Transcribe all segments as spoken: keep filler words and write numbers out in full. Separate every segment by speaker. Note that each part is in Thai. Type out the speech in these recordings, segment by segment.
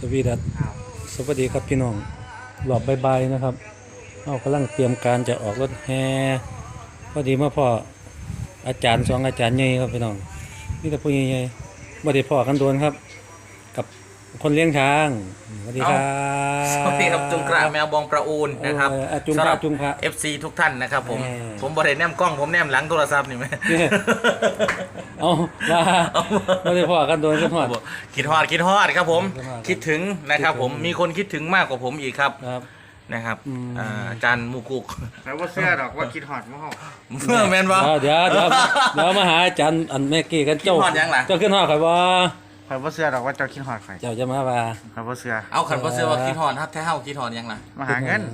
Speaker 1: วีดัสสวัสดีครับพี่น้องหลอบใบๆนะครับเอากำลังเตรียมการจะออกรถแห่พอดีมาพ่ออาจารย์สองอาจารย์ใหญ่ครับพี่น้องนี่แต่ผู้ใหญ่ๆบ่ได้พ่อกันโดนครับกับคนเลี้ยงช้างสวัสดีครับ
Speaker 2: สวัสดีครับจุงกระแมวบองประอูนนะครับ
Speaker 1: จุงกระจุงกระ
Speaker 2: เอฟซีทุกท่านนะครับผม
Speaker 1: แหม
Speaker 2: ผมบริเวณแนมกล้องผมแนมหลังโทรศัพท์นี่ไหม
Speaker 1: เอาว่าบ่ได้พ่อกันโดนกันหอด
Speaker 2: คิดฮอดคิดฮอดครับผม
Speaker 1: คิดฮอด
Speaker 2: คิดถึงนะครับผม
Speaker 1: คิดถึง
Speaker 2: มีคนคิดถึงมากกว่าผมอีกครับ
Speaker 1: ครับ
Speaker 2: นะครับ
Speaker 1: อืม
Speaker 2: อ่าอาจารย์มูกุก
Speaker 3: แล้วว่าเสื้อดอกว่าคิดหอดมั้งเหรอ
Speaker 2: เมื่อแมนวะ
Speaker 1: เดี๋ยวเดี๋ยวเดี๋ยวมาหาอาจารย์อันแม่กี้กันเจ้า
Speaker 2: คิดฮอดยังล่ะ
Speaker 1: เจ้าขึ้นหอดใครบ่
Speaker 3: ใครว่าเสื้อดอกว่าเจ้าคิดหอดใคร
Speaker 1: เจ้าจะมาว่า
Speaker 3: ใครว่าเสื้อ
Speaker 2: เอาขันพอเสือว่าคิดฮอดฮัทแท้เฮาคิดฮอดยังล่ะ
Speaker 3: มาหาเงิน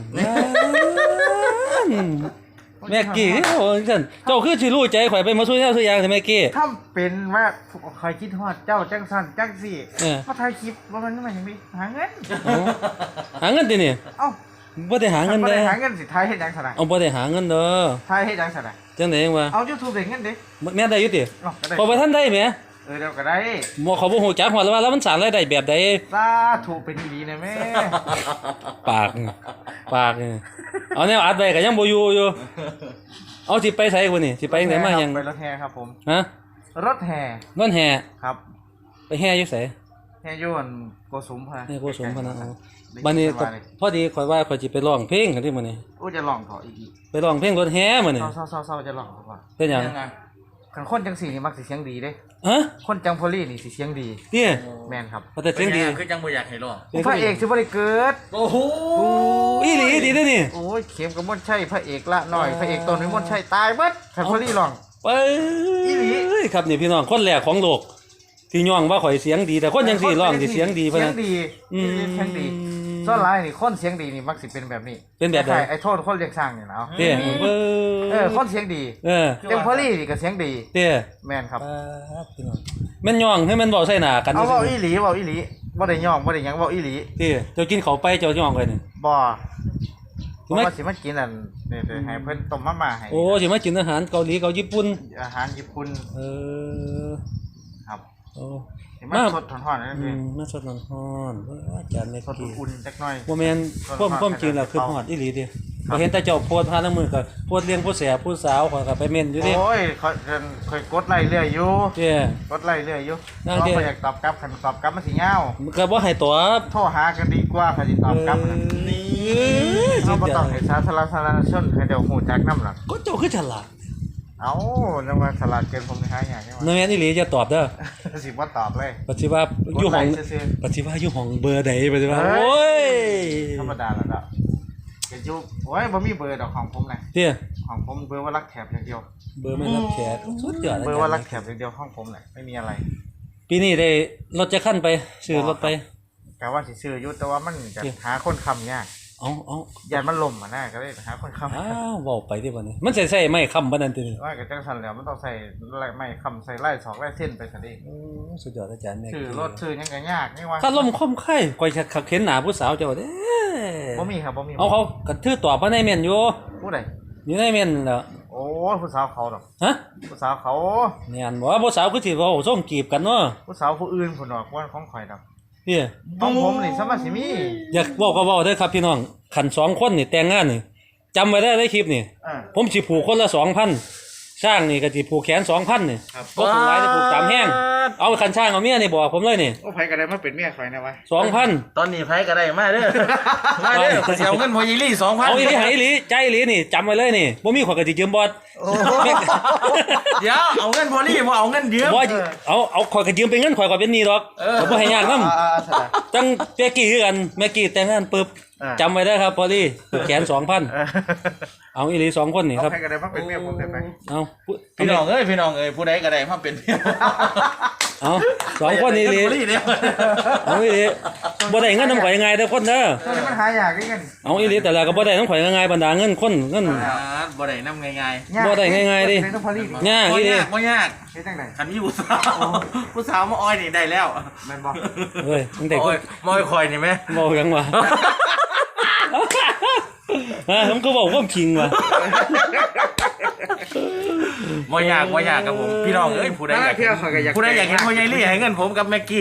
Speaker 1: แม่กี้โอ้ยฉันเจ้าคือสิรู้ใจข่อยไปมาช่วยเจ้าซื้อยางแต่แม่กี้
Speaker 3: ถ้าเป็นว่าใครคิดหอดเจ้าจังสันจังสี่
Speaker 1: เออ
Speaker 3: มาถ่ายคลิปว่ามันไม่เห็นมีหาเงิน
Speaker 1: เอาหาเงินตินี่
Speaker 3: เอ้า
Speaker 1: บ่ได้หาเงิน
Speaker 3: บ่
Speaker 1: เด้
Speaker 3: ได้
Speaker 1: อ
Speaker 3: หาเงินสิไทยให้ดังสนาย
Speaker 1: เอาบ่ได้หาเงินเด้อ
Speaker 3: ไทยให้ดังสนาย
Speaker 1: จังได๋วะ
Speaker 3: เอายูทูบเด็กเงินดิ
Speaker 1: แม่ได้อยู่ติ
Speaker 3: เนาะก็ได้
Speaker 1: พอบ่ทันได้แหม
Speaker 3: เออเดี๋ยวก็ได้
Speaker 1: บ่เขาบ่ฮู้จักฮอดแล้วว่าแล้วมันสร้างรายได้แบบใด
Speaker 3: สาถูกเป็นดีนะแม่
Speaker 1: ปากนี่ปากนี่เอาแนวอัดไว้ก็ยังบ่อยู่อยู่เอาสิไปไสกูนี่สิไปจังไดมาหยัง
Speaker 3: ไปรถแห่ครับผม
Speaker 1: ฮะ
Speaker 3: รถแห่
Speaker 1: นั่นแห่
Speaker 3: ครับ
Speaker 1: ไปแห่อยู่ไส
Speaker 3: แห่ยวนโกสุมพะ
Speaker 1: นี่โกสุมพะนะเอา
Speaker 3: ได้
Speaker 1: บัดนี้
Speaker 3: สบายเลย
Speaker 1: พอดีข่อยว่าข่อยสิไปร้องเพลงกันที่มื้อนี้
Speaker 3: อู้จะลองขออีกอีก
Speaker 1: ไปร้องเพลงรถแห่มื้อนี้
Speaker 3: เศร้าเศร้าเศร้าจะลองก่อน
Speaker 1: เป็นหยัง
Speaker 2: ยังไง
Speaker 3: ขันคนจังสี่นี่มักสิเสียงดีเด้
Speaker 1: ฮะ
Speaker 3: คนจังพอลี่นี่สิเสียงดี
Speaker 1: เนี่ย
Speaker 3: แมนครับ
Speaker 1: แต่เสียงดี
Speaker 2: คือจังบ่อยากให้รอ
Speaker 3: พระเอกสิบ่ได้เกิด
Speaker 2: โอ้โห
Speaker 1: อีหลีดีเด้อนี่
Speaker 3: โอ้ยเข็มกับมนใช่พระเอกละหน่อยพระเอกตนนี้มนใช่ตายเบิดขันพอลี่ลอง
Speaker 1: ไป
Speaker 3: อีหลี
Speaker 1: ครับนี่พี่น้องคนแรกของโลกที่ย่องว่าข่อยเสียงดีแต่คนจังซี่ร้องสิเสียงดีพะ
Speaker 3: เสีย
Speaker 1: นะ
Speaker 3: งดี
Speaker 1: อืม
Speaker 3: เสียงดีส่วนหลายนี่คนเสียงดีนี่มักสิเป็นแบบนี้
Speaker 1: เป็นแบบใด
Speaker 3: คล้ายๆไอ้โทษคนเรียกสร้างนี่นะเอา
Speaker 1: เด้อเอ
Speaker 3: เออคนเสียงดี
Speaker 1: เออ
Speaker 3: จังพอลี่นี่ก็เสียงดี
Speaker 1: เด้อ
Speaker 3: แมนครับ
Speaker 1: ครับพี่น้องแม่นย่องให้มันเว้าใส่หน้ากัน
Speaker 3: เอาเว้า
Speaker 1: ซื่
Speaker 3: อีหลีเว้าอีหลีบ่ได้ย่องบ่ได้หยังเว้าอีหลี
Speaker 1: เด้อเจ้ากินข้าวไปเจ้าย่องเลยนี่
Speaker 3: บ่เพ
Speaker 1: ถูก
Speaker 3: ราะ
Speaker 1: ไหม
Speaker 3: ว่าสิมากินอันนี่ๆให้เพิ่นต้มมาม่าให้
Speaker 1: โอ้สิมากินอาหารเกาหลีเกาญี่ปุ่น
Speaker 3: อาหารญี่ปุ่น
Speaker 1: เออ
Speaker 3: ครับ
Speaker 1: โอ้
Speaker 3: เห็นมัน
Speaker 1: มา
Speaker 3: สดถอนๆนั่น
Speaker 1: อื
Speaker 3: เอง
Speaker 1: มมาสดร้อนๆเว้ยอาจารย์แม่
Speaker 3: สด
Speaker 1: กี้
Speaker 3: อุ่นๆจักหน่อย
Speaker 1: บ่แม่นพวกพวกจริงแล้วคือฮอดอีหลีเด้บ่เห็นแต่เจ้าโพสต์พาน้ำมือก็โพสต์เลี้ยงผู้แสบผู้สาวข่อยก็ไปเม่นอยู่เด้
Speaker 3: โอ้ยค่อยค่อยกดไล่เรื่อยอยู่
Speaker 1: เด้
Speaker 3: กดไล่เรื่อยอยู่
Speaker 1: นั่
Speaker 3: เพ
Speaker 1: ง
Speaker 3: ราะ
Speaker 1: เด้
Speaker 3: บ่อยากตอบกลับคันตอบกลับมันสิยาว
Speaker 1: มันก็บ่ให้ตอบ
Speaker 3: โทรหากันดีกว่าคันสิตอบกลับน่ะ
Speaker 1: นี่
Speaker 3: เฮาบ่ต้องให้สาธารณชนให้เดี๋ยวฮู้จักนำหรอก
Speaker 1: ก็เจ้าคือฉลาด
Speaker 3: เอ้าจังว่าฉลาดเกินผมนี่หายากจัง
Speaker 1: นั่น
Speaker 3: ว่า
Speaker 1: แม่นอีหลีจะตอบเด้อ
Speaker 3: สิบ่ตอบเลย
Speaker 1: ปัจจุบันอยู่ห้อง
Speaker 3: กดไลค์ซื่อ
Speaker 1: ปัจจุบันอยู่ห้องเบอร์ใดปัจจุบัน
Speaker 3: เฮ้ย
Speaker 1: โอ้ย
Speaker 3: ๆธรรมดาแล้วดอกก็อยู่โอ้ยบ่มีเบอร์ดอกของผมน่ะ
Speaker 1: เด้อ
Speaker 3: ของผมเบอร์ว่ารักแถบอย่างเดียว
Speaker 1: เบอร์ไม่รับแขกสุดยอด
Speaker 3: เบอร์ว่ารักแถบอย่างเดียวของผมน่ะไม่มีอะไร
Speaker 1: ปีนี้ได้รถจะขั้นไปซื้อรถไป
Speaker 3: กะว่าสิซื้ออยู่แต่ว่ามันจะ
Speaker 1: เดี๋ยว
Speaker 3: หาคนค้ำยาก
Speaker 1: เอาเอา
Speaker 3: ยานมันล่มอ่ะนะก็เลยหาคนค้ำ
Speaker 1: อ้าวเว้าไปดิบัดนี้มันสิใช้ไม้ค้ำบ่นั่นตินี่
Speaker 3: ว่ากับจังสันแล้วมันต้องใส่ไล่ไม่คำใส่ไล่สองไล่เส้นไปซะดิ
Speaker 1: โอ้สุดยอดอาจารย์แม่
Speaker 3: ชื่อรถชื่อหยังก็ยากนี่ว่า
Speaker 1: ถ้าลมคมไข่ก่อยขักเห็นหน้าผู้สาวเจ้าเด้
Speaker 3: บ่มีครับบ่มี
Speaker 1: เอาเขากระทือตอบมาในเม่นอยู่
Speaker 3: ผู้ใด
Speaker 1: อยู่ในเม่นแหล้ว
Speaker 3: โอ้ยผู้สาวเขาดอก
Speaker 1: ฮะ
Speaker 3: ผู้สาวเขา
Speaker 1: แม่นบ่ว่าผู้สาวคือสิเว้าส่งจีบกันเนาะ
Speaker 3: ผู้สาวผู้อื่นพุ่นดอกว่าของข่อยดอก
Speaker 1: พี่
Speaker 3: ของผมนี่สมัสิมี
Speaker 1: อยากเว้าก็เว้าเด้อครับพี่น้องคันสองคนนี่แต่งงานนี่จำไว้ได้ในคลิปนี่
Speaker 3: อ่า
Speaker 1: ผมสิผูกคนละ สองพัน ช่างนี่ก็สิผูกแขน สองพัน นี่
Speaker 3: ครับ
Speaker 1: บ่ผูกหลายจะผูกตามแห้งเอาคันช่างเอาเมียนี่บอกผมเลยนี่
Speaker 3: โอ้ไผก็ได้มาเป็นเมียข่อยนะวะ
Speaker 1: สองพัน
Speaker 2: ตอนนี้ไผก็ได้มาเด้อมาเด้อเสียเงินพอยีรี่สองพัน
Speaker 1: เอาอีหลีหายอีหลีใจอีหลีนี่จำไว้เลยนี่บ่มีข่อยก็สิยืมบอด
Speaker 2: เดี๋ยวเอาเงินพอลี่บ่เอาเงินยืม
Speaker 1: บ่เอาเอาข่อยก็ยืมเป็นเงินข่อยก็เป็นหนี้ดอกผมบ่ให้ยากนำ
Speaker 3: อ่าๆสะดะ
Speaker 1: จังแม่กี้คือกันแม่กี้แต่งงานปึ๊บ
Speaker 3: อ่า
Speaker 1: จำไว้ได้ครับพอลี่ผูกแขน สองพัน
Speaker 3: เออ
Speaker 1: เอาอีหลีสองคนนี่
Speaker 3: เอา
Speaker 1: ครับ
Speaker 3: ไผก็ได้มาเป็นเมียผมได้ไป
Speaker 1: เอา
Speaker 2: พี่น้องเอ้ยพี่น้องเอ้ยผู้ใดก็ได้มาเป็นเมีย
Speaker 1: เอาสองคนอีหลี
Speaker 2: เงิพอลี่เดียว
Speaker 1: เอาอีหลีบ่ได้เงินนำข่อยยังไงเด้อคนเด้อ
Speaker 3: ตัวนี้มันหายากด้วยกัน
Speaker 1: เอาอีหลีแต่ละก็บ่ได้นำข่อยยังไงบรรดาเงินคนเงิน
Speaker 2: อ่าบ่ได้นำง่าย
Speaker 3: ยาก
Speaker 1: บ่ได้ง่ายๆดิ
Speaker 3: เป็นต้องพอลี่
Speaker 1: ยาก
Speaker 2: ๆบ่
Speaker 1: อีหลี
Speaker 2: ยากบ่ยาก
Speaker 3: เฮ็ดจังได๋
Speaker 2: คันมีผู้สาวผู้สาวมาอ้อยนี่ได้แล้ว
Speaker 3: แม่นบ่
Speaker 1: เฮ้ยตั้งแต่
Speaker 2: โอ้ยมาอ้อยคอยนี่แม่
Speaker 1: บ่ยังวะฮะผมก็บอกความจริงว่ะ
Speaker 2: บ่ยากบ่ยากครับผมพี่น้องเอ้ยผู้ใดอยาก
Speaker 3: เที่ยวข่อยก็อยาก
Speaker 2: ผู้ใดอยากเห็นพ่อใหญ่ลี่ให้เงินผมกับแม็กกี้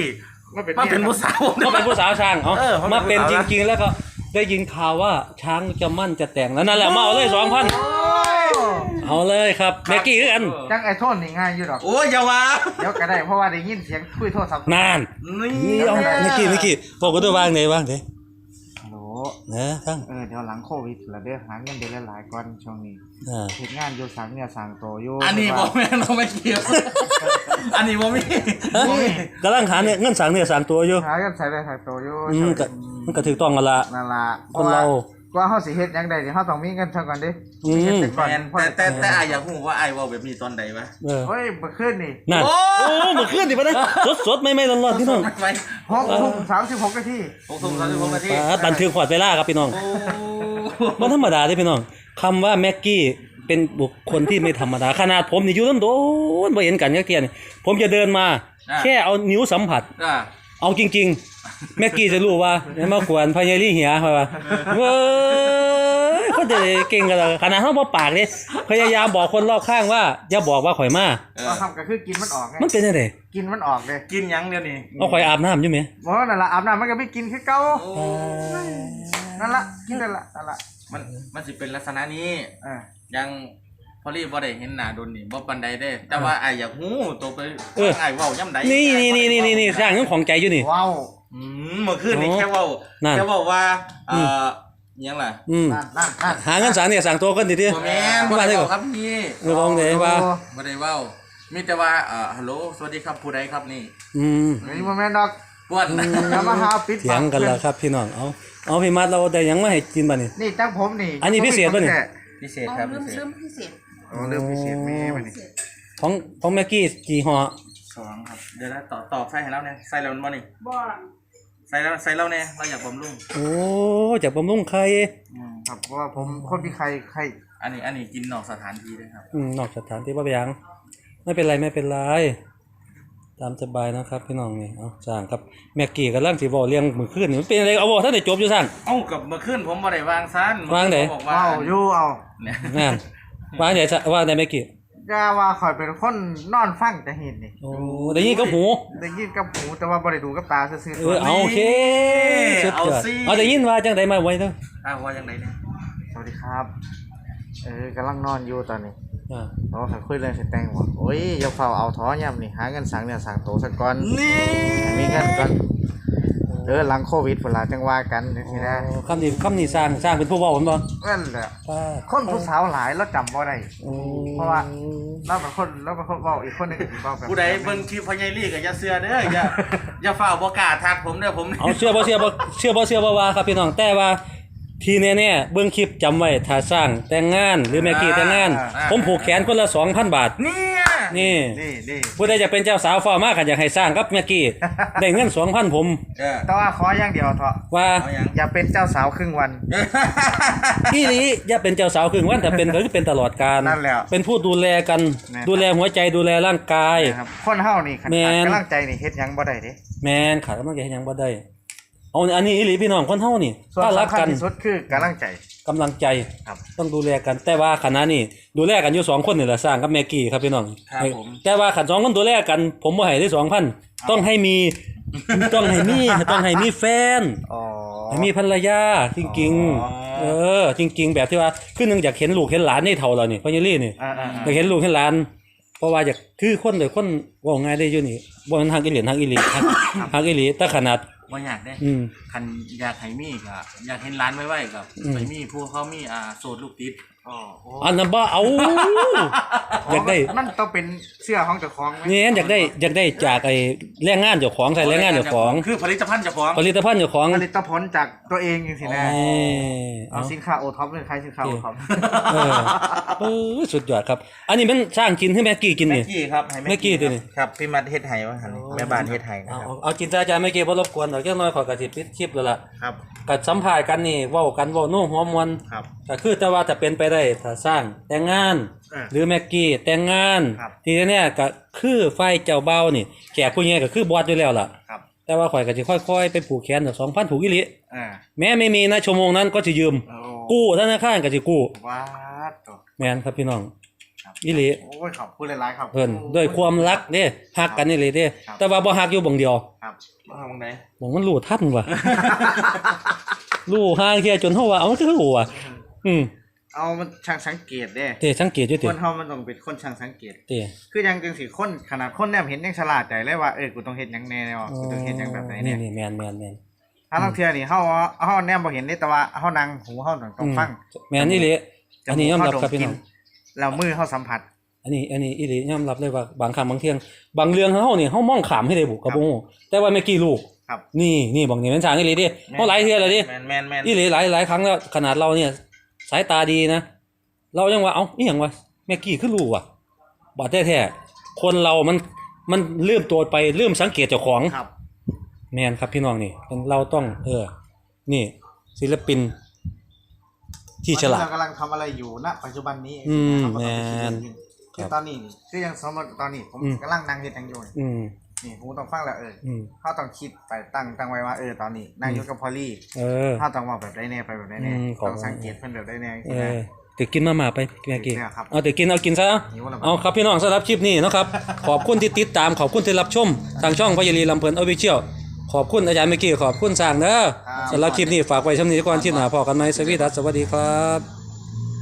Speaker 3: มาเป็น
Speaker 2: มาเป็นผู้สาว
Speaker 1: ก็เป็นผู้สาวช้างเอา
Speaker 2: เออเขาเป็น
Speaker 1: มาเป็น
Speaker 2: ผู้
Speaker 1: จ
Speaker 2: สาว
Speaker 1: ริงๆ แล้วก็ได้ยินข่าวว่าช้างจะมั่นจะแต่งแล้วนั่นแหละมาเอาเลยสองพันเอาเลยครับแม็กกี้คือกัน
Speaker 3: จังไอ้โทษนี่ง่ายอยู่ดอก
Speaker 2: โอ้ยอย่าว่า
Speaker 3: เดี๋ยวก็ได้เพราะว่าได้ยินเสียงคุยโทรศัพท์
Speaker 1: นาน
Speaker 2: นี่
Speaker 1: นี่เอาแม็กกี้แม็กกี้บอกกันด้วยว่างไหนว่างไหน
Speaker 3: ฮัลโหล
Speaker 1: นะทั้ง
Speaker 3: เออเดี๋ยวหลังโควิดละเด้อหาเงินเดือนหลายๆก่อนช่วงนี้
Speaker 1: อ่า
Speaker 3: เฮ็ดงานอยู่สังเนี่ยสังโตอยู่
Speaker 2: อันนี้บ่แม่นเราไม่เกี่ยวอันนี้บ่มี
Speaker 1: กำลังหาเนี่ยเงินสั่งเนี่ยสั่งตัวอยู่
Speaker 3: หากันใส่ได้ใส่โตอยู่
Speaker 1: อืมก็มันก็ถูกต้องกันละ
Speaker 3: นั่นล่ะ
Speaker 1: คนเรา
Speaker 3: กว่าเฮาสิเฮ็ดหยังได้นี่เฮาต้องมีเงินซะก่อนเด้
Speaker 1: อืม
Speaker 3: เฮ็ดแต่ก่อน
Speaker 2: แม่น
Speaker 3: พอ
Speaker 2: แต่แต่แต่อายอยากรู้ว่าอายเว้าแบบนี้ตอนใดวะ
Speaker 1: เออ
Speaker 3: เฮ้ยเมื่อคืนนี่
Speaker 1: นั่น
Speaker 2: โอ้
Speaker 1: โอ้เมื่อคืนดิปะนะสดสดๆไม่ไม่ร้อนๆพี่น้อง
Speaker 2: ไป
Speaker 3: หกทุ่มสามสิบหกนาที
Speaker 2: หกทุ่มสามสิบหกนาที
Speaker 1: อ่าบันทึกขวดเวลาครับพี่น้อง
Speaker 2: โอ้
Speaker 1: มันธรรมดาเด้พี่น้องคำว่าแม็กกี้เป็นบุคคลที่ไม่ธรรมดาขนาดผมนี่อยู่ต้นโดนบ่เห็นกันยักเทียนี่ผมจะเดินมา แค่เอานิ้วสัมผัส
Speaker 2: อ่า
Speaker 1: เอาจริงๆ แม็กกี้จะรู้ว่าไม่มากวนพญาลี่เหียเขาว่าเว้ยเขาจะเก่งกันเลยขนาดเขาบ่ปากเลยพยายามบอกคนรอบข้างว่าอย่าบอกว่าข่อยมา
Speaker 2: เออ
Speaker 3: เราทำก็คือกินมันออกไง
Speaker 1: มันเป็นยังไง
Speaker 3: กินมันออกเลย
Speaker 2: กินหยังเดี๋ยวนี้
Speaker 1: เอาข่อยอาบน้ำอยู่ไหม
Speaker 3: บ่นั่นล่ะอาบน้ำมันก็ไม่กินคือเก่า
Speaker 2: โอ้
Speaker 3: นั่นล่ะกินนั่นล่ะนั่นล่ะ
Speaker 2: มันมันสิเป็นลักษณะนี้
Speaker 3: เออ
Speaker 2: ยังพอรีบ่ได้เห็นหน้าโดนนี่บ่ปานใดเด้ แต่ว่าอายอยากฮู้ตัวไปอายเว้าย่ำใด
Speaker 1: นี่นี่นี่นี่นี่นี่สร้างเรื่องของใจอยู่นี่
Speaker 3: ว้าว
Speaker 2: อืมเมื่อคืนนี่
Speaker 1: อ๋อ
Speaker 2: แค่เว้า
Speaker 1: นั่น
Speaker 2: แค่เว้าว่าเอ่อหยังล่ะ
Speaker 1: อืม
Speaker 3: นั่นนั่นนั่น
Speaker 1: หาเงินสั่งเนี่ยสั่งตัวกันดิดิ
Speaker 2: บ่แม่นบ่
Speaker 1: มา
Speaker 2: ได้
Speaker 1: ได้
Speaker 2: เว้า
Speaker 1: ก่อน
Speaker 2: ครับพี่
Speaker 1: เออลองเดี๋ยวว่า
Speaker 2: บ่ได้เว้ามีแต่ว่าเอ่อฮัลโหลสวัสดีครับผู้ใดครับนี่
Speaker 1: อืม
Speaker 3: เฮ้ยบ่แม่นดอก
Speaker 2: ป้วน
Speaker 3: อย่ามาหาปิด
Speaker 1: เถียงกันแล้วครับพี่น้องเอาเอาพี่มัดเราได้หยังมาให้กินบ้านี่
Speaker 3: นี่จังผมนี่
Speaker 1: อันนี้พิเศษป่ะนี่
Speaker 2: พิเศษครับ
Speaker 4: เริ่
Speaker 2: พิ
Speaker 4: ม
Speaker 2: เศษ
Speaker 4: เริ่มพิเศษ
Speaker 3: โอ้เรื่องพิเศษแม่มานี่
Speaker 1: ของของแม็กกี้กี่ห่อ
Speaker 2: สองครับเดี๋ยวนะตอบตอบใส่ให้แล้วเนี่ยใส่แล้วมันบ่นี่
Speaker 4: บ่
Speaker 2: ใส่แล้วใส่แล้วเนี่ยเราอยากบำรุง
Speaker 1: โอ้จากบำรุงไข่
Speaker 2: อืม
Speaker 3: ครับเพราะว่าผมคนมีใครใคร
Speaker 2: อันนี้อันนี้กินนอกสถานที่เลยครับ
Speaker 1: อืมนอกสถานที่ว่าไปยังไม่เป็นไรไม่เป็นไรตามสบายนะครับพี่น้องนี่เอาสร้างครับแม็กกี้กับร่างสีบอเลี้ยงมือขึ้นนี่มันเป็นอะไรเอาบอท่านได้จบอยู่สร้าง
Speaker 2: เอ้ากับเมื่อคืนผมบ่ได้วางซัน
Speaker 1: วางไหน
Speaker 2: บอกว่า
Speaker 3: เอาอยู่เอา
Speaker 2: เนี่ย
Speaker 1: นั่นว่าไหนซะว่าไหนแม็กกี้
Speaker 3: อย่าว่าข่อยเป็นคนนอนฟังแต่เห็นนี่
Speaker 1: โอ้ได้ยินกับหู
Speaker 3: ได้ยินกับหูแต่ว่าบ่ได้ดูกับตาซื่อ
Speaker 1: เออเอาโอเคสุดยอดเอาได้ยินว่าจังไดมาไว้เด้อ
Speaker 2: อ้าวว่าจังไดเนี่ย
Speaker 3: ๆสวัสดีครับ เออกำลังนอนอยู่ตอนนี้
Speaker 1: อ่า
Speaker 3: เราเคยคุยเรื่องสิแต่งบ่โอ้ยอย่าเฝ้าเอาท้อย่ำนี่หาเงินสั่งเนี่ยสั่งโตซะก่อน
Speaker 2: นี่
Speaker 3: ให้มีเงินก่อนเออหลังโควิดพุ่นล่ะจังว่ากันจังซี่นะ
Speaker 1: โอ้คำนี้คำนี้สร้างสร้างเป็นผู้เว้าผมบ่
Speaker 3: นั่นแหละ
Speaker 1: ป้า
Speaker 3: คนผู้สาวหลายแล้วจำบ่ได้
Speaker 1: โอ้
Speaker 3: เพราะว่า เราเป็นคนเราเป็นคนเว้าอีกคนหนึงก็สิเว้าแบบ
Speaker 2: ผู้ใดเบิ่งคลิปพ่อใหญ่ลี่ก็อย่าเชื่อเด้ออย่าอย่าฝ่าบ่กล้าทักผมเด้อผม
Speaker 1: เอาเชื่อบ่เชื่อบ่เชื่อบ่เชื่อบ่ว่าครับพี่น้องแต่ว่าทีแน่ๆเบิ่งคลิปจำไว้ถ้าสร้างแต่งงานหรือแม็กกี้แต่งงาน ผมผูกแขนคนละ สองพัน บาท
Speaker 2: เนี่ย
Speaker 1: นี่
Speaker 3: นี่นี่
Speaker 1: ผู้ใดจะเป็นเจ้าสาวฟ้ามากก็อยากให้สร้างกับแม็กกี้ ได้เงิน สองพัน ผม
Speaker 2: เออ
Speaker 3: แต่ว่าขออย่างเดียวเถอะ
Speaker 1: ว่า
Speaker 2: เอายัง
Speaker 3: อย่าเป็นเจ้าสาวครึ่งวัน
Speaker 1: อีหลีอย่าเป็นเจ้าสาวครึ่งวันแต่เป็นก็คือเป็นตลอดกาล
Speaker 3: นั่นแหละ
Speaker 1: เป็นผู้ดูแลกัน
Speaker 3: แม่น
Speaker 1: ดูแลหัวใจดูแลร่างกาย
Speaker 3: นะครับคนเฮานี่ขัน
Speaker 1: แม่
Speaker 3: ขาด
Speaker 1: น
Speaker 3: กำลังใจนี่เฮ็ดหยังบ่ได้เด้
Speaker 1: แม่นขาดกำลังใจให้หยังบ่ได้เอาอันนี้อีหลีพี่น้องคนเฮานี่
Speaker 3: ส่วน
Speaker 1: ถ้ารัก
Speaker 3: สำคัญ
Speaker 1: กัน
Speaker 3: ที่สุดคือกำลังใจ
Speaker 1: กำลังใจ
Speaker 3: ครับ
Speaker 1: ต้องดูแลกันแต่ว่าขณะนี้ดูแลกันอยู่สองคนนี่แหละสร้างกับแม็กกี้ครับพี่น้อง
Speaker 2: ครับผม
Speaker 1: แต่ว่าขันสองคนดูแลกัน ผมบ่ให้ได้สองพันต้องให้มีต้องให้มีต้องให้มีแฟน
Speaker 3: อ๋อ
Speaker 1: ให้มีภรรยาจริง
Speaker 3: อ๋อ
Speaker 1: ๆเออ จริง ๆ แบบที่ว่าคือหนึงอยากเห็นลูกเห็นหลานนี่เท่าเรานี่พ่อเยลี่นี่
Speaker 3: อ่า
Speaker 1: อยากเห็นลูกเห็นหลาน เพราะว่าอยากคือคนเดี๋ยวคนเว่าง่ายได้อยู่นี่บ่มันทางอีหลีทางอีหลีทางทางอีหลีแต่ขนาด
Speaker 2: บ่อยากเด้
Speaker 1: อืม
Speaker 2: คันอยากให้มีก็อยากเห็นร้านไว้ๆกับ
Speaker 1: อืม
Speaker 2: ไปมีผู้เขามีอ่าโสดลูกติด
Speaker 3: ๆอ๋อโอ้
Speaker 1: อันนั้นบ่เอาอยากได้
Speaker 3: มันต้องเป็นเสื้อของเจ้าของไหม
Speaker 1: นี่อยากได้อยากได้จากไอ้แรงงานเจ้าของใส่แรงงานเจ้าของ
Speaker 2: คือผลิตภัณฑ์เจ้าของ
Speaker 1: ผลิตภัณฑ์เจ้าของ
Speaker 3: ผลิตผลจากตัวเองจังซี่นะ
Speaker 1: เอ้ย
Speaker 3: เอา
Speaker 1: เอา
Speaker 3: สินค้าโอท็อปเลยใครสินค้าโอท็อป
Speaker 1: เออเออสุดยอดครับ อันนี้มันสร้างกินให้แม็กกี้กิน
Speaker 2: แม็
Speaker 1: นี่
Speaker 2: กกี้ครับให้
Speaker 1: แม็กกี้ตัวนี้
Speaker 2: ครับพี่มัดเฮ็ดไห้ว่าหั่นแม่บ้านเฮ็ดไห้นะ
Speaker 1: เอา
Speaker 2: ครับ
Speaker 1: เอาเอาจินตนาการแม็กกี้บ่รบกวนดอกจักหน่อยขอยก็สิปิดคลิปแล้วล่ะ
Speaker 3: ครับ
Speaker 1: ก็สัมภาษณ์กันนี่เว้ากันเว้าโน้หัวมวล
Speaker 3: ครับ
Speaker 1: ก็คือแต่ว่าถ้าเป็นไปได้ถ้าสร้างแต่งงาน
Speaker 3: เออ
Speaker 1: หรือแม็กกี้แต่งงาน
Speaker 3: ครับ
Speaker 1: ทีนี้เนี่ยก็คือไฟเจ้าเบานี่แขกผู้ใหญ่ก็คือบอสอยู่แล้วล่ะ
Speaker 3: ครับ
Speaker 1: แต่ว่าข่อยก็สิค่อยๆไปผูกแขนสองพันผูกอีหลี
Speaker 3: อ่า
Speaker 1: แม้ไม่มีนะชั่วโมงนั้นก็สิยืม
Speaker 3: โอ้
Speaker 1: กู้ธนาคารก็สิกู้
Speaker 3: ว้าดตัว
Speaker 1: แม่นครับพี่น้อง
Speaker 3: ครับ
Speaker 1: อีหลี
Speaker 3: โอ้ยขอบคุณหลายๆครับ
Speaker 1: เพิ่นด้วยความรักเด้ฮักกันนี่เลยเด้
Speaker 3: ครับ
Speaker 1: แต่ว่าบ่ฮักอยู่บ่งเดียว
Speaker 3: ครับ
Speaker 2: มาทางไหน
Speaker 1: บ่งมันรู้ทันว่ะ รู้ห่างเที่ยจนเฮาว่าเอามันคือรู้ว่ะอืม
Speaker 3: เอามันช่างสังเกตเด้
Speaker 1: เต้สังเกตอยู่
Speaker 3: ค
Speaker 1: ติ
Speaker 3: นเฮามันต้องเป็นคนช่างสังเกต
Speaker 1: เต้
Speaker 3: คือยังจังสิคนขนาดคนแนมเห็นยังฉลาดใจเลยว่าเออกูต้องเฮ็ดหยังแน่วะกูต้องเฮ็ดหยังแบบไหนเนี่ย
Speaker 1: นี่ๆแม่นๆแม่น
Speaker 3: ถ้าลางเทื่อนี่เฮาเฮาแนมบ่เห็นเด้แต่ว่าเฮานั่งหูเฮาต้องต้องฟัง
Speaker 1: แม่นอีหลีอันนี้ยอมรับครับพี่น้อง
Speaker 3: แล้วมือเฮาสัมผัส
Speaker 1: อันนี้อันนี้อีหลียอมรับเลยว่าบางครั้งบางเที่ยงบางเรื่องเฮานี่เฮามองข้ามให้ได้บุกับบ่ฮู้แต่ว่าเมื่อกี้ลูก
Speaker 3: ครับ
Speaker 1: นี่นี่บางนี่มันสร้างอีหลีดิเฮาหลายเทื่อแล้วดิ
Speaker 2: แม่นแม่นแม่น
Speaker 1: อีหลีหลายหลายครั้งแล้วขนาดเราเนี่ยสายตาดีนะ เรายังว่าเอ้าอีหยังวะเมื่อกี้คือรู้ว่ะบ่แท้ๆคนเรามันมันลืมตัวไปลืมสังเกตเจ้าของ
Speaker 3: ครับ
Speaker 1: แม่นครับพี่น้องนี่เป็นเราต้องเออนี่ศิลปินที่ฉลาด
Speaker 3: เรากำลังทำอะไรอยู่ณปัจจุบันนี้
Speaker 1: อืม
Speaker 3: เราก็ต้องไปคิด
Speaker 1: แม่น
Speaker 3: คือตอนนี้นี่คือยังสมมติตอนนี้ผม
Speaker 1: อืม
Speaker 3: กำลังนั่งเฮ็ดหยังอยู่นี่
Speaker 1: อืม
Speaker 3: นี่ผมต้องฟังแล้วเออ
Speaker 1: อืม
Speaker 3: เฮาต้องคิดไปตั้งตั้งไว้ว่าเออตอนนี้นั่งอยู่กับพอลลี่
Speaker 1: เออ
Speaker 3: เฮาต้องเว้าแบบใดแน่ไปแบบใดแน่
Speaker 1: อืมขอบ
Speaker 3: ต้องสังเกตเพิ่นแบบใดแน่
Speaker 1: เออตึกกินมาม่าไปแม่กี้
Speaker 3: เนี่ยครับ
Speaker 1: เอาตึกกินเอากินซะ
Speaker 3: หิวแล้ว
Speaker 1: เอาครับพี่น้องสำหรับคลิปนี้นะครับ ขอบคุณที่ติดตามขอบคุณที่รับชมทางช่องพยาลีลำเพลินออฟฟิเชียลขอบคุณอาจารย์เมื่อกี้ขอบคุณสร้างเด้อสำหรับคลิปนี้ฝากไว้ช่ำนี้ก่อนที่หน้าพอกันไหมสวีดัสสวัสดีครับ